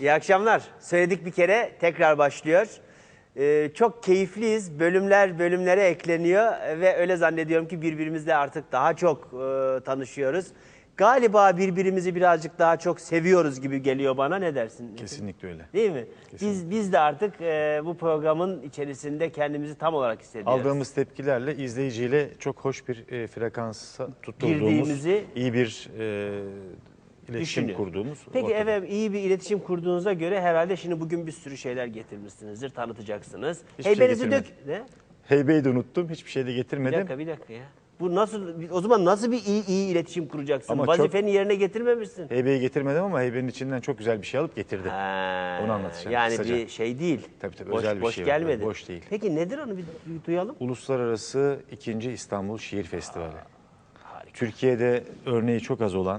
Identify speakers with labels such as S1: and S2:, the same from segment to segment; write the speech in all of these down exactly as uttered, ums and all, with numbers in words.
S1: İyi akşamlar. Söyledik bir kere tekrar başlıyor. Ee, çok keyifliyiz. Bölümler bölümlere ekleniyor ve öyle zannediyorum ki birbirimizle artık daha çok e, tanışıyoruz. Galiba birbirimizi birazcık daha çok seviyoruz gibi geliyor bana. Ne dersin?
S2: Kesinlikle öyle.
S1: Değil mi?
S2: Kesinlikle.
S1: Biz biz de artık e, bu programın içerisinde kendimizi tam olarak hissediyoruz.
S2: Aldığımız tepkilerle izleyiciyle çok hoş bir e, frekansa tutturduğumuz,
S1: Girdiğimizi
S2: iyi bir e, iletişim
S1: düşünüyor.
S2: kurduğumuz.
S1: Peki
S2: ortada.
S1: efendim, iyi bir iletişim kurduğunuza göre herhalde şimdi bugün bir sürü şeyler getirmişsinizdir, tanıtacaksınız.
S2: Hiçbir şey
S1: Heybenizi dök...
S2: getirmedim.
S1: Ne?
S2: Heybeyi de unuttum, hiçbir şey de
S1: Bir
S2: getirmedim.
S1: dakika bir dakika ya. Bu nasıl, o zaman nasıl bir iyi iyi iletişim kuracaksın?
S2: Ama
S1: Vazifeni yerine getirmemişsin.
S2: Heybeyi getirmedim ama heybenin içinden çok güzel bir şey alıp getirdim.
S1: Ha,
S2: Onu anlatacağım
S1: yani
S2: kısaca.
S1: bir şey değil.
S2: Tabii tabii,
S1: boş,
S2: özel bir
S1: boş
S2: şey var,
S1: gelmedi.
S2: boş değil.
S1: Peki nedir onu bir, bir duyalım?
S2: Uluslararası ikinci İstanbul Şiir Festivali. Türkiye'de örneği çok az olan,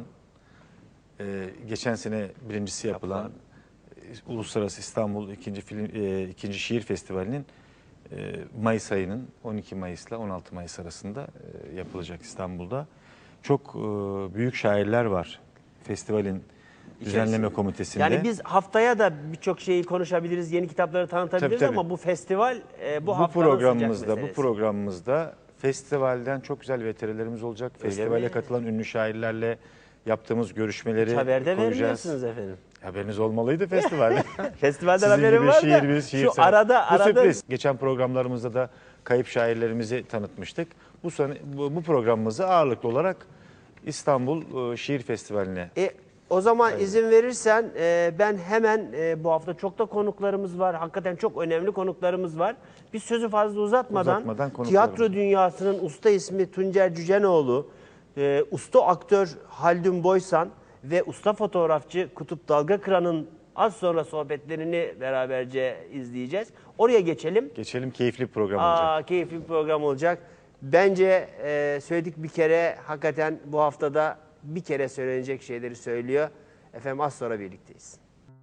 S2: e, geçen sene birincisi yapılan
S1: Yapılan.
S2: e, Uluslararası İstanbul ikinci Film e, ikinci Şiir Festivali'nin e, Mayıs ayının on iki Mayıs'la on altı Mayıs arasında e, yapılacak İstanbul'da. Çok e, büyük şairler var festivalin düzenleme komitesinde.
S1: Yani biz haftaya da birçok şeyi konuşabiliriz, yeni kitapları tanıtabiliriz
S2: Tabii, tabii.
S1: ama bu festival e, bu,
S2: bu
S1: haftanın
S2: programımızda
S1: sıcak
S2: bu
S1: meselesi.
S2: programımızda festivalden çok güzel veterilerimiz olacak.
S1: Öyle
S2: Festivale
S1: mi?
S2: katılan ünlü şairlerle yaptığımız görüşmeleri
S1: Hiç haberde
S2: koyacağız.
S1: vermiyorsunuz efendim.
S2: Haberiniz olmalıydı festivalde.
S1: Festivalden
S2: Sizin
S1: haberim
S2: gibi
S1: var da
S2: şiirimiz, şiir
S1: şu
S2: sever.
S1: arada
S2: Bu
S1: arada
S2: sürpriz. Geçen programlarımızda da kayıp şairlerimizi tanıtmıştık. Bu, sene, bu, bu programımızı ağırlıklı olarak İstanbul e, Şiir Festivali'ne.
S1: E, o zaman izin verirsen e, ben hemen e, bu hafta çok da konuklarımız var. Hakikaten çok önemli konuklarımız var. Biz sözü fazla uzatmadan,
S2: Uzatmadan konuklarımız
S1: tiyatro
S2: var.
S1: dünyasının usta ismi Tuncer Cücenoğlu, e, usta aktör Haldun Boysan ve usta fotoğrafçı Kutup Dalgakıran'ın az sonra sohbetlerini beraberce izleyeceğiz. Oraya geçelim.
S2: Geçelim, keyifli bir program olacak.
S1: Aa, keyifli bir program olacak. Bence e, söyledik bir kere, hakikaten bu haftada bir kere söylenecek şeyleri söylüyor. Efendim az sonra birlikteyiz.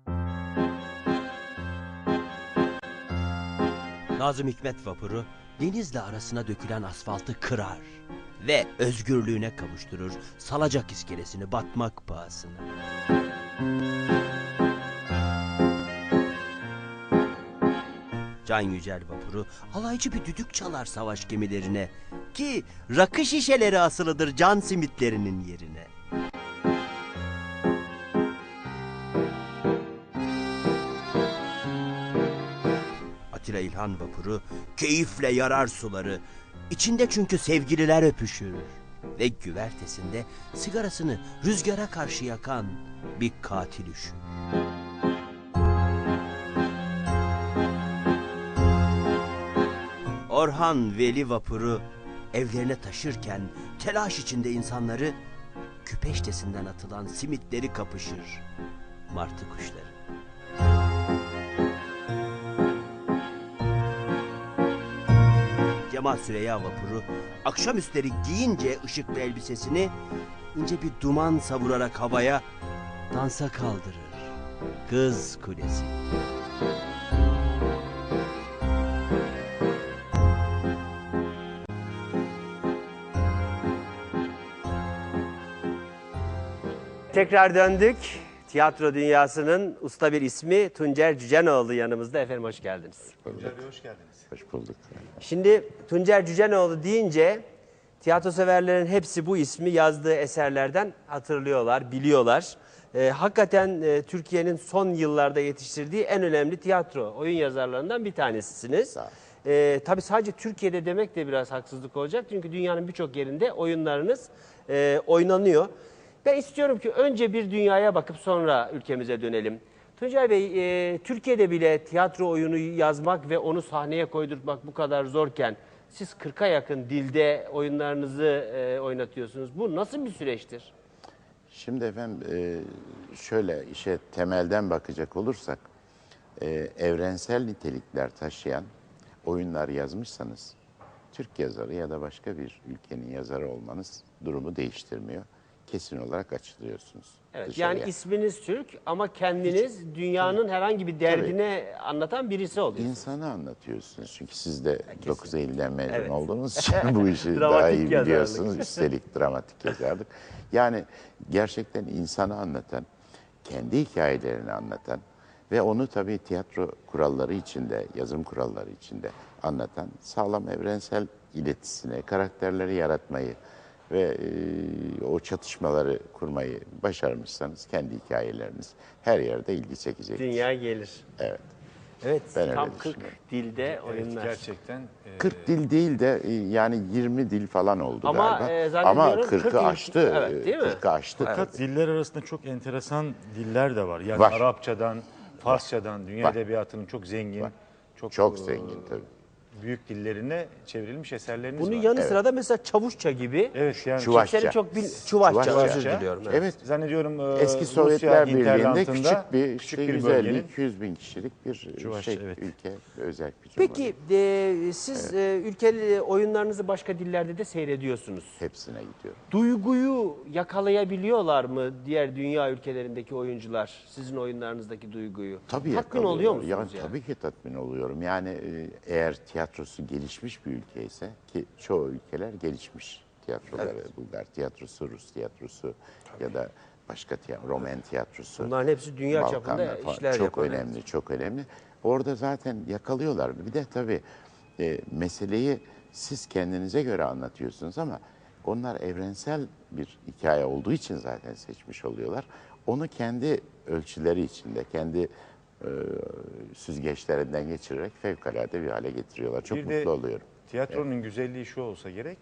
S3: Nazım Hikmet vapuru denizle arasına dökülen asfaltı kırar ve özgürlüğüne kavuşturur Salacak iskelesini batmak pahasına. Can Yücel vapuru alaycı bir düdük çalar savaş gemilerine ki rakı şişeleri asılıdır can simitlerinin yerine. Atilla İlhan vapuru keyifle yarar suları, içinde çünkü sevgililer öpüşür ve güvertesinde sigarasını rüzgara karşı yakan bir katil üşür. Orhan Veli vapuru evlerine taşırken telaş içinde insanları küpeştesinden atılan simitleri kapışır martı kuşları. Cemal Süreyya vapuru akşamüstleri giyince ışıklı elbisesini ince bir duman savurarak havaya dansa kaldırır Kız Kulesi.
S1: Tekrar döndük. Tiyatro dünyasının usta bir ismi Tuncer Cücenoğlu yanımızda. Efendim hoş geldiniz.
S2: Tuncer Bey hoş geldiniz.
S4: Hoş bulduk.
S1: Şimdi Tuncer Cücenoğlu deyince tiyatro severlerin hepsi bu ismi yazdığı eserlerden hatırlıyorlar, biliyorlar. Ee, hakikaten e, Türkiye'nin son yıllarda yetiştirdiği en önemli tiyatro, oyun yazarlarından bir tanesisiniz. Ee, tabii sadece Türkiye'de demek de biraz haksızlık olacak. Çünkü dünyanın birçok yerinde oyunlarınız e, oynanıyor. Ben istiyorum ki önce bir dünyaya bakıp sonra ülkemize dönelim. Tuncay Bey, e, Türkiye'de bile tiyatro oyunu yazmak ve onu sahneye koydurmak bu kadar zorken siz kırka yakın dilde oyunlarınızı e, oynatıyorsunuz. Bu nasıl bir süreçtir?
S4: Şimdi efendim e, şöyle işe temelden bakacak olursak e, evrensel nitelikler taşıyan oyunlar yazmışsanız Türk yazarı ya da başka bir ülkenin yazarı olmanız durumu değiştirmiyor. Kesin olarak açılıyorsunuz.
S1: Evet,
S4: dışarıya.
S1: yani isminiz Türk ama kendiniz dünyanın herhangi bir derdine anlatan birisi oluyorsunuz.
S4: İnsanı anlatıyorsunuz. Çünkü siz de dokuz Eylül'den mezun
S1: Evet.
S4: olduğunuz için bu işi
S1: Dramatik
S4: daha iyi
S1: yazarlık.
S4: biliyorsunuz. Üstelik dramatik yazarlık. Yani gerçekten insanı anlatan, kendi hikayelerini anlatan Ve onu tabii tiyatro kuralları içinde, yazım kuralları içinde anlatan sağlam evrensel iletisine, karakterleri yaratmayı ve e, o çatışmaları kurmayı başarmışsanız kendi hikayeleriniz her yerde ilgi çekecek.
S1: Dünya gelir.
S4: Evet.
S1: Evet,
S4: Ben öyle
S1: tam kırk
S4: düşünüyorum.
S1: dilde
S2: Evet,
S1: oyunlar.
S2: gerçekten. e,
S4: kırk dil değil de e, yani yirmi dil falan oldu
S1: Ama,
S4: galiba.
S1: e, zannediyorum
S4: Ama
S1: kırk
S4: kırkı
S1: ülke-
S4: aştı.
S1: Evet, değil mi?
S4: kırkı aştı.
S2: Fakat diller arasında çok enteresan diller de var. Yani
S4: Var.
S2: Arapçadan, Farsçadan, dünya
S4: Var.
S2: edebiyatının çok zengin,
S4: Var.
S2: çok,
S4: Çok
S2: e,
S4: zengin tabii.
S2: büyük dillerine çevrilmiş eserleriniz
S1: Bunun
S2: var.
S1: yanı sıra da mesela Çavuşça gibi.
S2: Evet yani
S4: Çuvaşça.
S1: Kimsenin çok bil... Çuvaşça,
S4: Çuvaşça.
S1: özür diliyorum. Evet.
S4: Evet.
S2: zannediyorum e,
S4: Eski
S2: Rusya
S4: Sovyetler Birliği'nde
S2: hinterlandında
S4: küçük bir,
S2: küçük
S4: işte
S2: bir
S4: yüz
S2: bölgenin
S4: elli iki yüz bin kişilik bir
S2: Çuvaşça,
S4: şey,
S2: evet.
S4: ülke, özel bir
S1: Peki e, siz e, ülkeli oyunlarınızı başka dillerde de seyrediyorsunuz.
S4: hepsine gidiyor.
S1: Duyguyu yakalayabiliyorlar mı diğer dünya ülkelerindeki oyuncular? Sizin oyunlarınızdaki duyguyu.
S4: Tabii
S1: Tatmin oluyor
S4: yakalıyorlar.
S1: musunuz
S4: Ya,
S1: yani?
S4: Tabii ki tatmin oluyorum. Yani e, eğer tiyatrosu gelişmiş bir ülke ise ki çoğu ülkeler gelişmiş tiyatroları. Bulgar tiyatrosu, Rus tiyatrosu ya da başka tiyatro, Roman tiyatrosu.
S1: Bunların hepsi dünya çapında
S4: Balkanlar falan.
S1: işler
S4: Çok
S1: yapan.
S4: önemli, çok önemli. Orada zaten yakalıyorlar. Bir de tabii e, meseleyi siz kendinize göre anlatıyorsunuz ama onlar evrensel bir hikaye olduğu için zaten seçmiş oluyorlar. Onu kendi ölçüleri içinde, kendi e, süzgeçlerinden geçirerek fevkalade bir hale getiriyorlar. Çok
S2: Bir
S4: mutlu
S2: de
S4: oluyorum.
S2: tiyatronun güzelliği şu olsa gerek,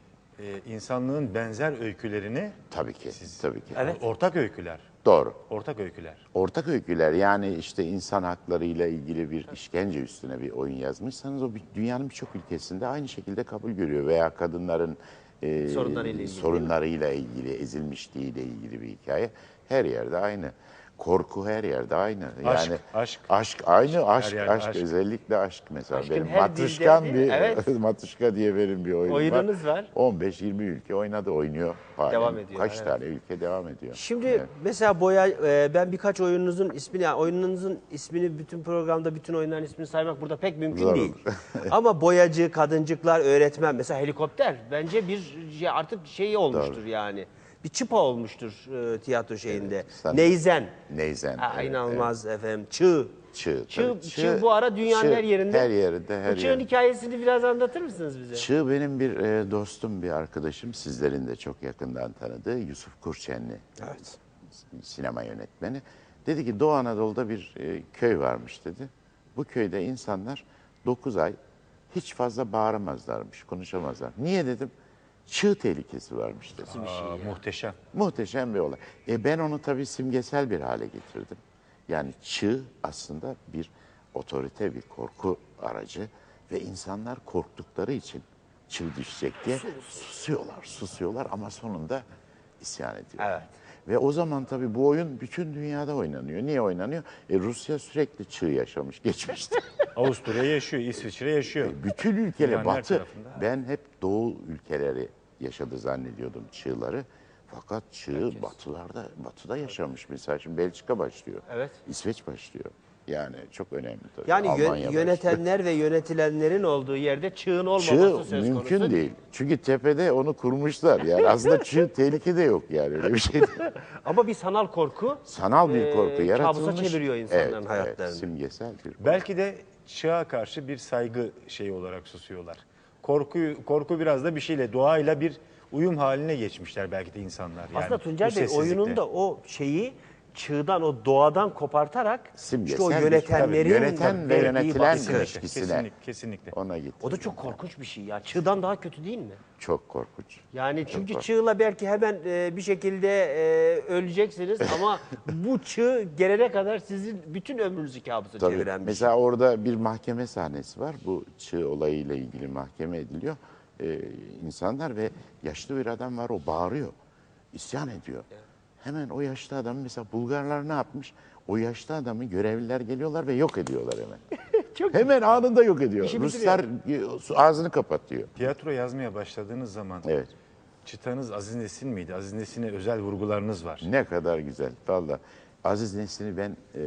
S2: e, insanlığın benzer öykülerini,
S4: Tabii ki, tabii ki.
S1: Evet.
S2: ortak öyküler,
S4: Doğru.
S2: ortak öyküler.
S4: Ortak öyküler, yani işte insan haklarıyla ilgili bir işkence üstüne bir oyun yazmışsanız o bir- dünyanın birçok ülkesinde aynı şekilde kabul görüyor. Veya kadınların e,
S1: Sorunlarıyla ilgili,
S4: sorunlarıyla ilgili, ezilmişliğiyle ilgili bir hikaye her yerde aynı. Korku her yerde aynı.
S2: Aşk,
S4: Yani
S2: aşk.
S4: aşk aynı aşk,
S2: yerde
S4: aşk,
S2: aşk.
S4: özellikle aşk mesela.
S1: Aşkın
S4: Benim
S1: her
S4: Matuşkan
S1: dilde,
S4: bir
S1: evet.
S4: Matuşka diye benim bir oyun
S1: Oyununuz var.
S4: on beş yirmi ülke oynadı, oynuyor. Halen.
S1: Devam ediyor,
S4: Kaç
S1: evet.
S4: tane ülke devam ediyor.
S1: Şimdi
S4: Evet.
S1: mesela boya e, ben birkaç oyununuzun ismini yani oyununuzun ismini bütün programda bütün oyunların ismini saymak burada pek mümkün
S4: Zor
S1: değil.
S4: olur.
S1: Ama boyacı, kadıncıklar, öğretmen mesela helikopter bence bir şey, artık şey olmuştur yani. Bir çıpa olmuştur e, tiyatro şeyinde.
S4: Evet, sen-
S1: Neyzen.
S4: Neyzen.
S1: Ha,
S4: evet,
S1: inanılmaz efendim. Çığ.
S4: Çığ,
S1: Çığ,
S4: tabii.
S1: çığ bu ara dünyanın
S4: çığ
S1: her yerinde.
S4: Her yerinde, her
S1: Bu çığın
S4: yerinde.
S1: hikayesini biraz anlatır mısınız bize?
S4: Çığ benim bir e, dostum, bir arkadaşım, sizlerin de çok yakından tanıdığı Yusuf Kurçenli.
S1: Evet.
S4: Sinema yönetmeni. Dedi ki Doğu Anadolu'da bir e, köy varmış dedi. Bu köyde insanlar dokuz ay hiç fazla bağıramazlarmış, konuşamazlar. Niye dedim? Çığ tehlikesi varmış dedi.
S2: Aa, muhteşem.
S4: Muhteşem bir olay. E ben onu tabii simgesel bir hale getirdim. Yani çığ aslında bir otorite, bir korku aracı ve insanlar korktukları için çığ düşecek diye susuyorlar, susuyorlar ama sonunda isyan ediyorlar.
S1: Evet.
S4: Ve o zaman tabii bu oyun bütün dünyada oynanıyor. Niye oynanıyor? E Rusya sürekli çığ yaşamış geçmişte.
S2: Avusturya yaşıyor, İsviçre yaşıyor.
S4: Bütün ülkeler,
S2: Dünyanın her
S4: batı,
S2: tarafında.
S4: ben hep doğu ülkeleri yaşadı zannediyordum çığları. Fakat çığ batılarda, batıda yaşamış. Mesela şimdi Belçika başlıyor.
S1: Evet.
S4: İsveç başlıyor. Yani çok önemli tabii.
S1: Yani yö-
S4: Almanya başlıyor.
S1: yönetenler ve yönetilenlerin olduğu yerde çığın olmaması
S4: Çığ
S1: söz
S4: mümkün
S1: konusu
S4: değil. Çünkü tepede onu kurmuşlar. Yani aslında çığ tehlike de yok yani öyle bir şey değil.
S1: Ama bir sanal korku
S4: Sanal bir
S1: Ee,
S4: korku yaratılmış.
S1: kabusa çeviriyor insanların
S4: evet,
S1: hayatlarını.
S4: Evet, simgesel bir korku.
S2: Belki de çığa karşı bir saygı şeyi olarak susuyorlar. Korkuyu, korku biraz da bir şeyle, doğayla bir uyum haline geçmişler belki de insanlar. Yani
S1: Aslında
S2: bu
S1: Tuncel Bey
S2: sessizlikte.
S1: oyununda o şeyi çığdan, o doğadan kopartarak
S4: Simgesel
S1: işte o
S4: bir-
S1: yönetenlerin
S4: tabii, yöneten ve
S1: verdiği
S4: yönetilen
S1: baskı.
S4: ilişkisine
S2: Kesinlikle, kesinlikle.
S4: ona gitti.
S1: O da çok korkunç bir şey ya. Çığdan daha kötü değil mi?
S4: Çok korkunç.
S1: Yani çünkü
S4: korkunç.
S1: çığla belki hemen e, bir şekilde e, öleceksiniz ama bu çığ gelene kadar sizin bütün ömrünüzü kabusa
S4: Tabii.
S1: çeviren bir şey.
S4: Mesela orada bir mahkeme sahnesi var. Bu çığ olayıyla ilgili mahkeme ediliyor. Ee, insanlar ve yaşlı bir adam var, o bağırıyor. İsyan ediyor. Hemen o yaşlı adam, mesela Bulgarlar ne yapmış? O yaşlı adamı görevliler geliyorlar ve yok ediyorlar hemen.
S1: Çok
S4: Hemen anında yok ediyor.
S1: İşi
S4: Ruslar e, ağzını kapatıyor.
S2: Tiyatro yazmaya başladığınız zaman
S4: Evet.
S2: çıtanız Aziz Nesin miydi? Aziz Nesin'e özel vurgularınız var.
S4: Ne kadar güzel. Vallahi Aziz Nesin'i ben e,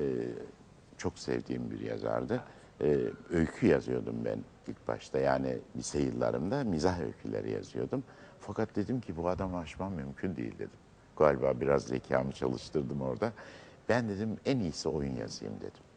S4: çok sevdiğim bir yazardı. E, öykü yazıyordum ben ilk başta. Yani lise yıllarımda mizah öyküleri yazıyordum. Fakat dedim ki bu adamı aşmam mümkün değil dedim. Galiba biraz zekamı çalıştırdım orada. Ben dedim en iyisi oyun yazayım dedim.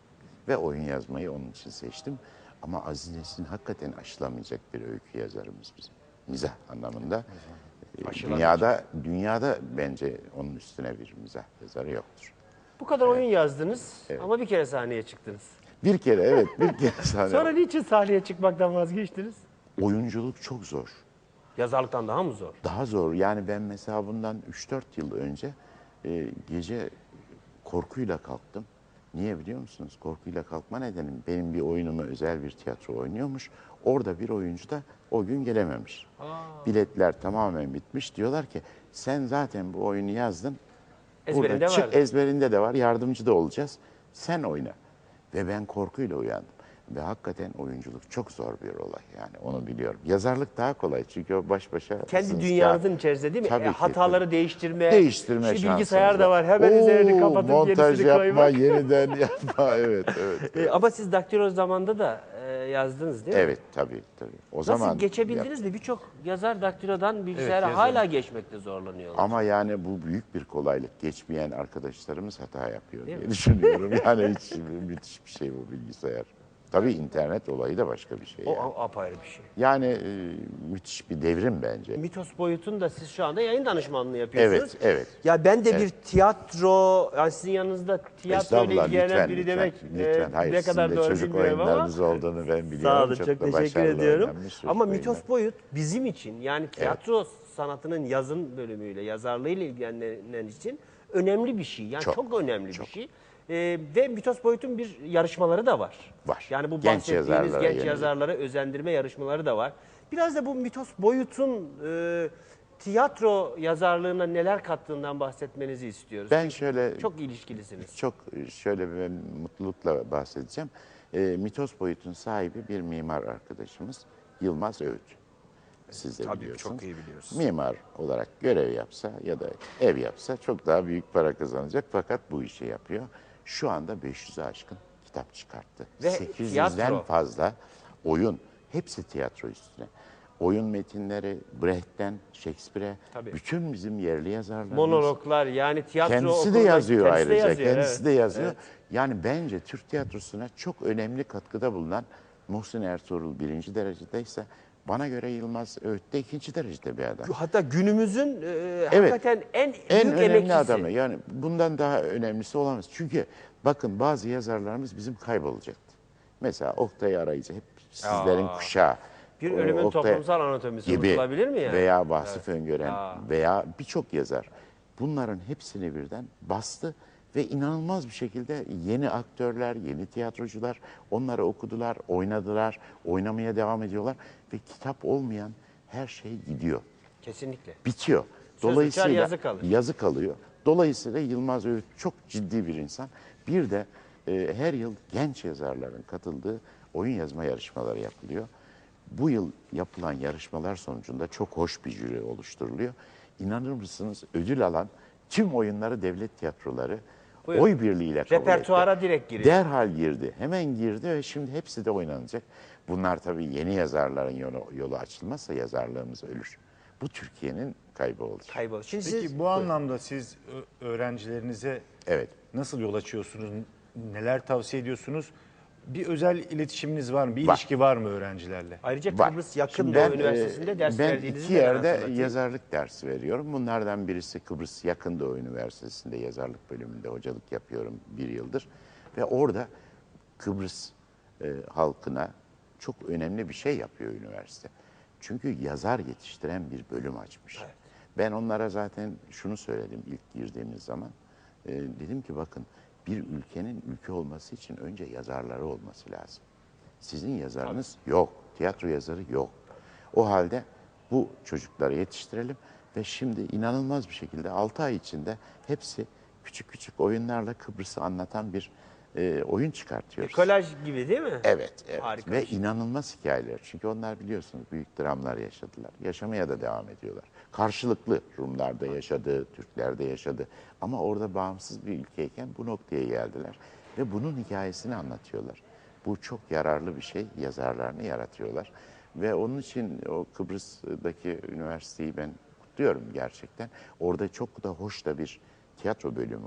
S4: Ve oyun yazmayı onun için seçtim. Ama Aziz Nesin hakikaten aşılamayacak bir öykü yazarımız bizim. Mizah anlamında. Ee, Dünyada, dünyada bence onun üstüne bir mizah yazarı yoktur.
S1: Bu kadar oyun yazdınız ama bir kere sahneye çıktınız.
S4: Bir kere evet bir kere sahne.
S1: Sonra niçin sahneye çıkmaktan vazgeçtiniz?
S4: Oyunculuk çok zor.
S1: Yazarlıktan daha mı zor?
S4: Daha zor. Yani ben mesela bundan üç dört yıl önce e, gece korkuyla kalktım. Niye biliyor musunuz? Korkuyla kalkma nedenim benim bir oyunumu özel bir tiyatro oynuyormuş. Orada bir oyuncu da o gün gelememiş. Aa. Biletler tamamen bitmiş. Diyorlar ki sen zaten bu oyunu yazdın.
S1: Ezberinde
S4: Burada çık,
S1: vardı.
S4: ezberinde de var. Yardımcı da olacağız. Sen oyna. Ve ben korkuyla uyandım. Ve hakikaten oyunculuk çok zor bir olay yani onu biliyorum. Yazarlık daha kolay çünkü o baş başa.
S1: Kendi dünyanızın içerisinde değil mi?
S4: Tabii
S1: E,
S4: ki,
S1: hataları
S4: tabii.
S1: değiştirme.
S4: Değiştirme
S1: Şimdi
S4: şansınız
S1: bilgisayar da
S4: var.
S1: var. Hemen
S4: Oo,
S1: üzerini kapatıp
S4: montaj
S1: yenisini
S4: yapma,
S1: koymak.
S4: yeniden yapma. Evet, evet.
S1: E, ama siz daktilo zamanında da e, yazdınız değil mi?
S4: Evet, tabii, tabii. O
S1: Nasıl
S4: zaman
S1: geçebildiniz mi? Birçok yazar daktilodan bilgisayara
S2: yazarım.
S1: hala geçmekte zorlanıyorlar.
S4: Ama yani bu büyük bir kolaylık. Geçmeyen arkadaşlarımız hata yapıyor diye düşünüyorum. Yani hiç müthiş bir şey bu bilgisayar. Tabii internet olayı da başka bir şey.
S1: O
S4: Yani,
S1: a- apayrı bir şey.
S4: yani e, müthiş bir devrim bence.
S1: Mitos boyutunda siz şu anda yayın danışmanlığı yapıyorsunuz.
S4: Evet, evet.
S1: Ya ben de bir
S4: Evet.
S1: tiyatro, yani sizin yanınızda tiyatro ile
S4: Estağfurullah,
S1: ilgilenen
S4: lütfen,
S1: biri
S4: lütfen,
S1: demek
S4: lütfen.
S1: e,
S4: Hayır,
S1: ne
S4: sizin
S1: kadar
S4: de
S1: doğru
S4: çocuk
S1: bilmiyorum ama.
S4: oyunlarınız olduğunu ben biliyorum.
S1: Sağ olun, çok,
S4: da
S1: teşekkür
S4: başarılı
S1: ediyorum.
S4: oynanmış çocuk
S1: Ama
S4: oyunlar.
S1: mitos boyut bizim için yani tiyatro sanatının yazın bölümüyle, yazarlığıyla ilgilenen için önemli bir şey. Yani çok,
S4: Çok,
S1: önemli
S4: çok.
S1: bir şey. E, ve mitos boyutun bir yarışmaları da var.
S4: Var.
S1: Yani bu
S4: Genç
S1: bahsettiğiniz
S4: yazarlara
S1: genç
S4: yönelik.
S1: yazarlara özendirme yarışmaları da var. Biraz da bu mitos boyutun e, tiyatro yazarlığına neler kattığından bahsetmenizi istiyoruz.
S4: Ben şöyle
S1: Çok ilişkilisiniz.
S4: çok şöyle bir ben mutlulukla bahsedeceğim. E, Mitos Boyut'un sahibi bir mimar arkadaşımız Yılmaz Öğüt. Siz de
S1: Tabii,
S4: biliyorsunuz.
S1: çok iyi biliyoruz.
S4: Mimar olarak görev yapsa ya da ev yapsa çok daha büyük para kazanacak fakat bu işi yapıyor. Şu anda beş yüze aşkın kitap çıkarttı.
S1: Ve
S4: sekiz yüzden
S1: tiyatro.
S4: fazla oyun. Hepsi tiyatro üstüne. Oyun metinleri Brecht'ten Shakespeare'e
S1: Tabii.
S4: bütün bizim yerli yazarlarımız.
S1: Monologlar yani tiyatro
S4: Kendisi de
S1: okulunda-
S4: yazıyor
S1: kendisi de
S4: ayrıca.
S1: yazıyor,
S4: kendisi
S1: evet.
S4: de yazıyor. Yani bence Türk tiyatrosuna çok önemli katkıda bulunan Muhsin Ertuğrul birinci derecedeyse bana göre Yılmaz Öğüt de ikinci derecede bir adam.
S1: Hatta günümüzün e, hakikaten en,
S4: En
S1: büyük
S4: önemli
S1: emekçisi.
S4: adamı. Yani bundan daha önemlisi olamaz. Çünkü bakın bazı yazarlarımız bizim kaybolacaktı. Mesela Oktay Arayıcı hep sizlerin kuşağı.
S1: Bir
S4: O
S1: ölümün
S4: Oktay-
S1: toplumsal anatomisi
S4: gibi
S1: unutulabilir mi yani?
S4: veya Vasıf Öngören
S1: Ya.
S4: veya birçok yazar bunların hepsini birden bastı ve inanılmaz bir şekilde yeni aktörler, yeni tiyatrocular onları okudular, oynadılar, oynamaya devam ediyorlar ve kitap olmayan her şey gidiyor,
S1: Kesinlikle.
S4: bitiyor.
S1: Söz
S4: Dolayısıyla
S1: uçar, yazı kalır.
S4: yazı kalıyor. Dolayısıyla Yılmaz Öğüt çok ciddi bir insan. Bir de e, her yıl genç yazarların katıldığı oyun yazma yarışmaları yapılıyor. Bu yıl yapılan yarışmalar sonucunda çok hoş bir jüri oluşturuluyor. İnanır mısınız ödül alan tüm oyunları devlet tiyatroları
S1: Buyurun.
S4: oy birliğiyle kabul
S1: Repertuara
S4: etti.
S1: direkt giriyor.
S4: Derhal girdi. Hemen girdi ve şimdi hepsi de oynanacak. Bunlar tabii yeni yazarların yolu, yolu açılmazsa yazarlığımız ölür. Bu Türkiye'nin kaybı olur.
S1: Kaybol. Şimdi
S2: Peki
S1: siz
S2: bu anlamda siz ö- öğrencilerinize
S4: Evet.
S2: nasıl yol açıyorsunuz? Neler tavsiye ediyorsunuz? Bir özel iletişiminiz var mı? Bir
S4: Var.
S2: ilişki var mı öğrencilerle?
S1: ayrıca
S4: Var.
S1: Kıbrıs Yakın
S4: Şimdi
S1: Doğu
S4: ben,
S1: Üniversitesi'nde
S4: e,
S1: ders
S4: ben
S1: verdiğinizi
S4: iki
S1: de ben
S4: yerde
S1: hatırlatayım.
S4: yazarlık dersi veriyorum. Bunlardan birisi Kıbrıs Yakın Doğu Üniversitesi'nde yazarlık bölümünde hocalık yapıyorum bir yıldır. Ve orada Kıbrıs e, halkına çok önemli bir şey yapıyor üniversite. Çünkü yazar yetiştiren bir bölüm açmış. Ben onlara zaten şunu söyledim ilk girdiğimiz zaman. E, dedim ki bakın bir ülkenin ülke olması için önce yazarları olması lazım. Sizin yazarınız yok. Tiyatro yazarı yok. O halde bu çocukları yetiştirelim ve şimdi inanılmaz bir şekilde altı ay içinde hepsi küçük küçük oyunlarla Kıbrıs'ı anlatan bir e, oyun çıkartıyoruz.
S1: Kolaj gibi değil mi?
S4: Evet, evet.
S1: Harika
S4: Ve
S1: bir şey.
S4: inanılmaz hikayeler. Çünkü onlar biliyorsunuz büyük dramlar yaşadılar. Yaşamaya da devam ediyorlar. Karşılıklı Rumlarda yaşadı, Türklerde yaşadı. Ama orada bağımsız bir ülkeyken bu noktaya geldiler. Ve bunun hikayesini anlatıyorlar. Bu çok yararlı bir şey. Yazarlarını yaratıyorlar. Ve onun için o Kıbrıs'taki üniversiteyi ben kutluyorum gerçekten. Orada çok da hoş da bir tiyatro bölümü var.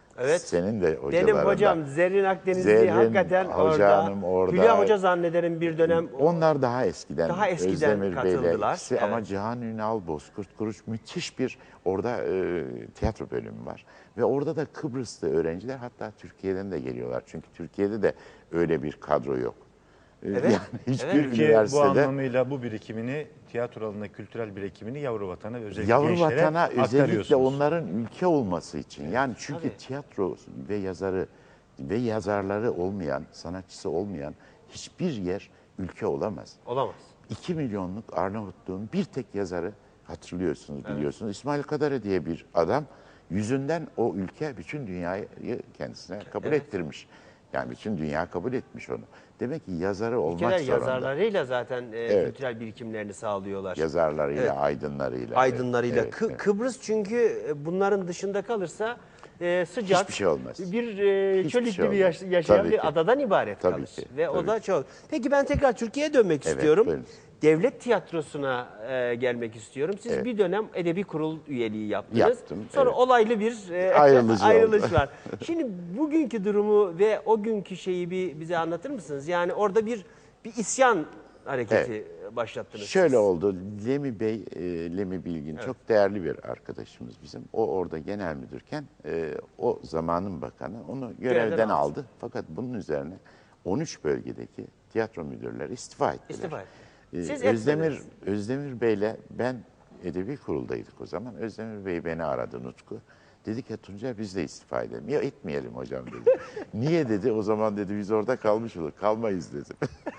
S1: Evet.
S4: Senin de hocalarından.
S1: Benim hocam Zerrin Akdenizli
S4: Zerrin
S1: hakikaten
S4: Hoca
S1: orada.
S4: Hanım orada.
S1: Hülya Hoca zannederim bir dönem.
S4: Onlar daha eskiden,
S1: Daha eskiden
S4: Özdemir Bey'le
S1: katıldılar.
S4: ikisi
S1: Evet.
S4: ama Cihan Ünal, Bozkurt Kuruç müthiş bir orada e, tiyatro bölümü var. Ve orada da Kıbrıslı öğrenciler hatta Türkiye'den de geliyorlar. Çünkü Türkiye'de de öyle bir kadro yok. E,
S1: Evet,
S4: Yani hiçbir
S1: evet.
S2: Türkiye bu
S4: üniversitede
S2: anlamıyla bu birikimini, tiyatro alanında kültürel birikimini yavru vatana ve özellikle
S4: yavru
S2: gençlere
S4: vatana özellikle
S2: aktarıyorsunuz.
S4: onların ülke olması için. Yani çünkü
S1: Tabii.
S4: tiyatro ve yazarı ve yazarları olmayan, sanatçısı olmayan hiçbir yer ülke olamaz.
S1: Olamaz.
S4: iki milyonluk Arnavutluğun bir tek yazarı hatırlıyorsunuz, biliyorsunuz. İsmail Kadare diye bir adam yüzünden o ülke bütün dünyayı kendisine kabul
S1: Evet.
S4: ettirmiş. Yani bütün dünya kabul etmiş onu. Demek ki yazarı olmak
S1: Ülkeler
S4: zorunda.
S1: yazarlarıyla zaten e,
S4: Evet.
S1: kültürel birikimlerini sağlıyorlar.
S4: Yazarlarıyla,
S1: Evet.
S4: aydınlarıyla.
S1: Aydınlarıyla.
S4: Evet,
S1: Kı-
S4: evet.
S1: Kıbrıs çünkü e, bunların dışında kalırsa e, sıcak,
S4: Hiçbir şey olmaz.
S1: bir e,
S4: Hiçbir
S1: çöl
S4: şey
S1: iklimi
S4: olmaz.
S1: yaş- yaşayan
S4: Tabii
S1: bir
S4: ki.
S1: adadan ibaret
S4: Tabii
S1: kalır.
S4: ki,
S1: Ve o
S4: tabii
S1: da
S4: ki.
S1: çok. Peki ben tekrar Türkiye'ye dönmek
S4: Evet,
S1: istiyorum.
S4: buyurun.
S1: Devlet tiyatrosuna e, gelmek istiyorum. Siz
S4: Evet.
S1: bir dönem edebi kurul üyeliği yaptınız.
S4: Yaptım,
S1: Sonra
S4: evet.
S1: olaylı bir e,
S4: Ayrılıcı
S1: ayrılış
S4: oldu.
S1: var. Şimdi bugünkü durumu ve o günkü şeyi bir bize anlatır mısınız? Yani orada bir bir isyan hareketi başlattınız.
S4: Şöyle
S1: siz.
S4: oldu. Lemi Bey, e, Lemi Bilgin çok değerli bir arkadaşımız bizim. O orada genel müdürken e, o zamanın bakanı onu görevden,
S1: Görevden aldı.
S4: aldı. Fakat bunun üzerine on üç bölgedeki tiyatro müdürleri istifa ettiler.
S1: İstifa etti.
S4: E,
S1: Siz
S4: Özdemir,
S1: etmediniz.
S4: Özdemir Bey'le ben edebi kuruldaydık o zaman. Özdemir Bey beni aradı, Nutku. Dedi ki Tuncay biz de istifa edelim. Ya etmeyelim hocam dedi. Niye dedi, o zaman dedi biz orada kalmış olur. Kalmayız dedim.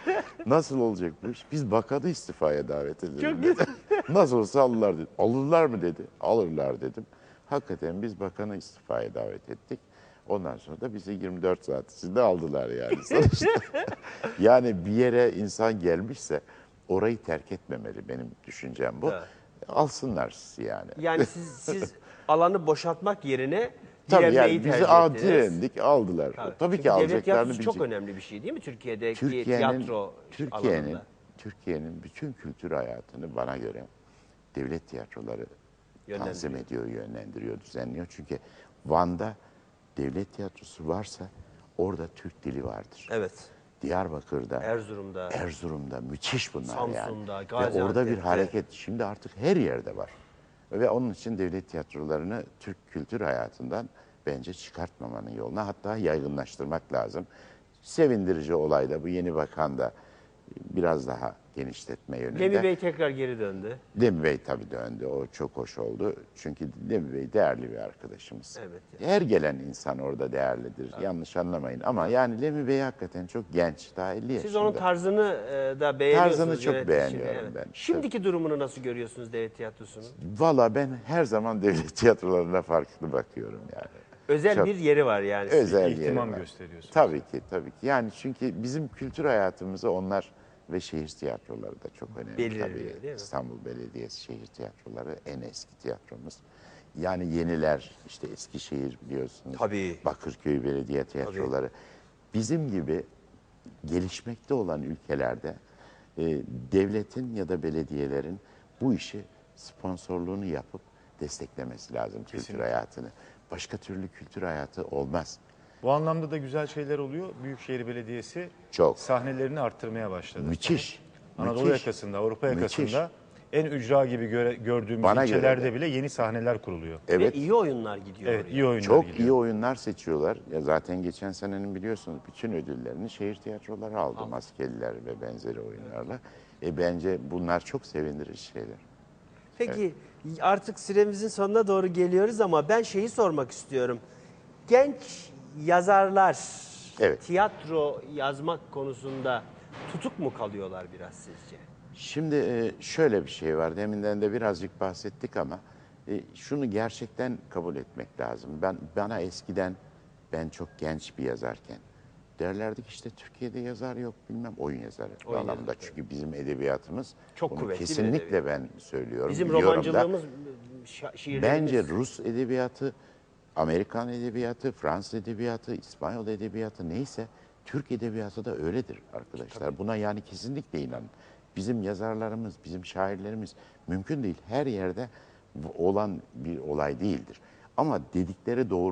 S4: Nasıl olacak bu iş? Biz bakanı istifaya davet edelim
S1: Çok
S4: dedi. Nasıl olsa alırlar dedi. Alırlar mı dedi. Alırlar dedim. Hakikaten biz bakanı istifaya davet ettik. Ondan sonra da bizi yirmi dört saat içinde aldılar yani sonuçta. Yani bir yere insan gelmişse orayı terk etmemeli, benim düşüncem bu.
S1: Evet.
S4: Alsınlar sizi yani.
S1: Yani siz siz alanı boşaltmak yerine
S4: Tabii
S1: direnmeyi
S4: yani bizi
S1: tercih
S4: a-
S1: ettiniz.
S4: direndik, aldılar. Tabii,
S1: Çünkü
S4: ki
S1: devlet
S4: alacaklarını
S1: tiyatrosu çok
S4: bilecek.
S1: önemli bir şey değil mi Türkiye'deki
S4: Türkiye'nin
S1: tiyatro
S4: Türkiye'nin
S1: alanında?
S4: Türkiye'nin bütün kültür hayatını bana göre devlet tiyatroları tanzim ediyor, yönlendiriyor, düzenliyor. Çünkü Van'da devlet tiyatrosu varsa orada Türk dili vardır.
S1: Evet.
S4: Diyarbakır'da,
S1: Erzurum'da,
S4: Erzurum'da müthiş bunlar
S1: Samsun'da,
S4: yani. Ve orada bir
S1: Gaziantep'te.
S4: hareket şimdi artık her yerde var. Ve onun için devlet tiyatrolarını Türk kültür hayatından bence çıkartmamanın yoluna, hatta yaygınlaştırmak lazım. Sevindirici olay da bu, yeni bakan da biraz daha genişletme yönünde.
S1: Lemi Bey tekrar geri döndü.
S4: Lemi Bey tabii döndü. O çok hoş oldu. Çünkü Lemi Bey değerli bir arkadaşımız.
S1: Evet.
S4: Her gelen insan orada değerlidir. Yanlış anlamayın. Ama yani Lemi Bey hakikaten çok genç. Daha elli yaşında.
S1: Siz onun tarzını e, da beğeniyorsunuz.
S4: Tarzını çok
S1: yönetişini,
S4: beğeniyorum ben.
S1: Şimdiki durumunu nasıl görüyorsunuz devlet tiyatrosunun?
S4: Valla ben her zaman devlet tiyatrolarına farklı bakıyorum yani.
S1: Özel
S4: Çok
S1: bir yeri var yani.
S4: Özel
S2: İhtimam
S4: yeri var.
S2: gösteriyorsunuz.
S4: Tabii ki, tabii ki. Yani çünkü bizim kültür hayatımızı onlar ve şehir tiyatroları da çok önemli
S1: Belirliyor,
S4: tabii.
S1: değil mi?
S4: İstanbul Belediyesi şehir tiyatroları en eski tiyatromuz. Yani yeniler, işte Eskişehir biliyorsunuz.
S1: Tabii.
S4: Bakırköy Belediye Tiyatroları. Bizim gibi gelişmekte olan ülkelerde e, devletin ya da belediyelerin bu işi sponsorluğunu yapıp desteklemesi lazım kültür
S2: Kesinlikle.
S4: hayatını. Başka türlü kültür hayatı olmaz.
S2: Bu anlamda da güzel şeyler oluyor. Büyükşehir Belediyesi
S4: Çok.
S2: sahnelerini arttırmaya başladı.
S4: Müthiş.
S2: Anadolu
S4: müthiş.
S2: yakasında, Avrupa
S4: Müthiş.
S2: yakasında en ücra gibi göre, gördüğümüz
S4: Bana göre
S2: ilçelerde
S4: de.
S2: bile yeni sahneler kuruluyor.
S4: Evet.
S1: Ve iyi oyunlar gidiyor
S2: Evet,
S1: oraya.
S2: iyi oyunlar
S4: Çok
S2: gidiyor.
S4: iyi oyunlar seçiyorlar. Ya zaten geçen senenin biliyorsunuz bütün ödüllerini şehir tiyatroları aldı. Maskeliler ve benzeri oyunlarla. E bence bunlar çok sevindirici şeyler.
S1: Peki artık süremizin sonuna doğru geliyoruz ama ben şeyi sormak istiyorum. Genç yazarlar
S4: Evet.
S1: tiyatro yazmak konusunda tutuk mu kalıyorlar biraz sizce?
S4: Şimdi e, şöyle bir şey var. Deminden de birazcık bahsettik ama e, şunu gerçekten kabul etmek lazım. Ben bana eskiden, ben çok genç bir yazarken derlerdik işte Türkiye'de yazar yok, bilmem oyun yazarı
S1: Oyun
S4: anlamda.
S1: yazarı,
S4: Çünkü bizim edebiyatımız
S1: Çok
S4: bunu
S1: kuvvetli bir
S4: kesinlikle
S1: edebiyat.
S4: ben söylüyorum.
S1: Bizim
S4: biliyorum da.
S1: romancılığımız, şa- şiirlerimiz...
S4: Bence Rus edebiyatı, Amerikan edebiyatı, Fransız edebiyatı, İspanyol edebiyatı neyse Türk edebiyatı da öyledir arkadaşlar. Buna yani kesinlikle inanın. Bizim yazarlarımız, bizim şairlerimiz mümkün değil. Her yerde olan bir olay değildir. Ama dedikleri doğru.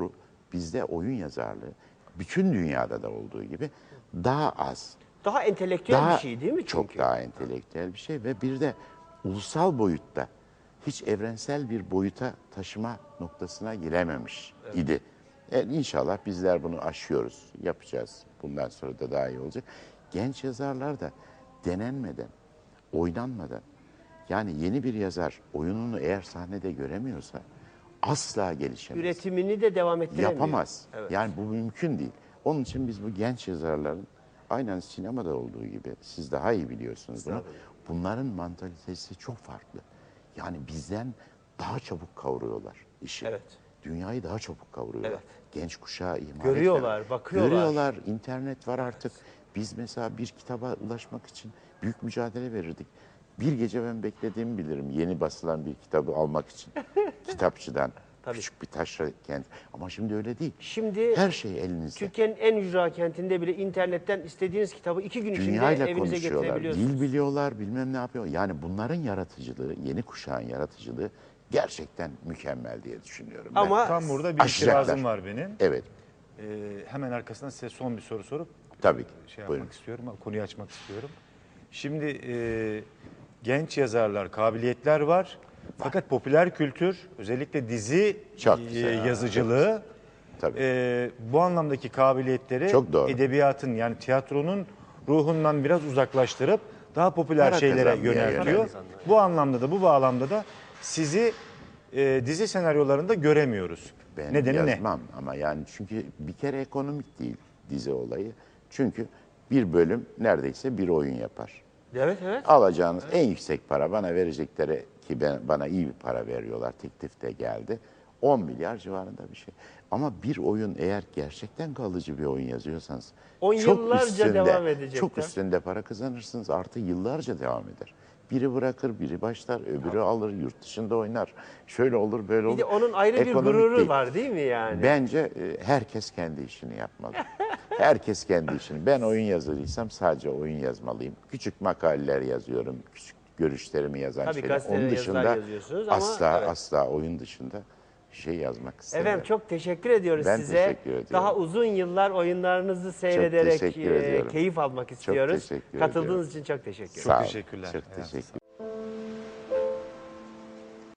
S4: bizde oyun yazarlığı bütün dünyada da olduğu gibi daha az.
S1: Daha entelektüel
S4: Daha,
S1: bir şey değil mi çünkü?
S4: Çok daha entelektüel bir şey ve bir de ulusal boyutta hiç evrensel bir boyuta taşıma noktasına girememiş idi. E, İnşallah bizler bunu aşıyoruz, yapacağız. Bundan sonra da daha iyi olacak. Genç yazarlar da denenmeden, oynanmadan, yani yeni bir yazar oyununu eğer sahnede göremiyorsa asla gelişemez.
S1: Üretimini de devam ettiremiyor.
S4: Yapamaz.
S1: Evet.
S4: Yani bu mümkün değil. Onun için biz bu genç yazarların aynen sinemada olduğu gibi siz daha iyi biliyorsunuz bunu. Bunların mantalitesi çok farklı. Yani bizden daha çabuk kavruyorlar işi.
S1: Evet.
S4: Dünyayı daha çabuk kavruyorlar.
S1: Evet.
S4: Genç kuşağı ihmal
S1: Görüyorlar,
S4: etmeden.
S1: bakıyorlar.
S4: Görüyorlar, internet var artık. Biz mesela bir kitaba ulaşmak için büyük mücadele verirdik. Bir gece ben beklediğimi bilirim yeni basılan bir kitabı almak için. Kitapçıdan.
S1: Tabii.
S4: Küçük bir taşra kent. Ama şimdi öyle değil.
S1: Şimdi
S4: Her şey elinizde.
S1: Türkiye'nin en ücra kentinde bile internetten istediğiniz kitabı iki gün içinde
S4: Dünyayla
S1: evinize
S4: konuşuyorlar.
S1: getirebiliyorsunuz.
S4: Dil biliyorlar, bilmem ne yapıyor. Yani bunların yaratıcılığı, yeni kuşağın yaratıcılığı gerçekten mükemmel diye düşünüyorum. ben.
S1: Ama
S2: Tam burada bir
S4: Aşacaklar.
S2: itirazım var benim.
S4: Evet,
S2: Ee, hemen arkasından size son bir soru sorup
S4: tabii ki.
S2: şey yapmak
S4: Buyurun.
S2: istiyorum, konuyu açmak istiyorum. Şimdi e, genç yazarlar, kabiliyetler var. Fakat popüler kültür, özellikle dizi
S4: Çok
S2: e,
S4: güzel.
S2: yazıcılığı
S4: Tabii.
S2: e, bu anlamdaki kabiliyetleri
S4: Çok doğru.
S2: edebiyatın yani tiyatronun ruhundan biraz uzaklaştırıp daha popüler
S4: Para
S2: şeylere
S4: kazanmaya
S2: yöneltiyor.
S4: yönelik.
S2: Bu anlamda da bu bağlamda da sizi e, dizi senaryolarında göremiyoruz.
S4: Ben
S2: Nedeni ne?
S4: yazmam ama yani çünkü bir kere ekonomik değil dizi olayı. Çünkü bir bölüm neredeyse bir oyun yapar.
S1: Evet evet.
S4: Alacağınız en yüksek para bana verecekleri ki ben, bana iyi bir para veriyorlar. Teklif de geldi. on milyar civarında bir şey. Ama bir oyun eğer gerçekten kalıcı bir oyun yazıyorsanız
S1: On
S4: çok
S1: yıllarca
S4: üstünde,
S1: devam edecek
S4: çok
S1: de.
S4: üstünde para kazanırsınız. Artı yıllarca devam eder. Biri bırakır, biri başlar, öbürü alır, yurt dışında oynar. Şöyle olur, böyle olur.
S1: Bir de onun ayrı bir
S4: Ekonomik
S1: gururu
S4: değil.
S1: var değil mi yani?
S4: Bence e, herkes kendi işini yapmalı. Herkes kendi işini. Ben oyun yazarıysam sadece oyun yazmalıyım. Küçük makaleler yazıyorum. Küçük görüşlerimi yazan
S1: Tabii
S4: şeyler.
S1: gazetelere
S4: Onun
S1: yazılar
S4: dışında
S1: yazıyorsunuz ama
S4: asla
S1: evet.
S4: asla oyun dışında bir şey yazmak istemiyorum.
S1: Efendim çok teşekkür ediyoruz
S4: Ben
S1: size.
S4: teşekkür ediyorum.
S1: Daha uzun yıllar oyunlarınızı seyrederek
S4: teşekkür
S1: e,
S4: ediyorum.
S1: keyif almak istiyoruz.
S4: teşekkür
S1: Katıldığınız
S4: ediyorum.
S1: için çok teşekkür ederim.
S4: Sağ olun.
S2: teşekkürler.
S4: Çok
S2: Ayağınıza
S4: teşekkür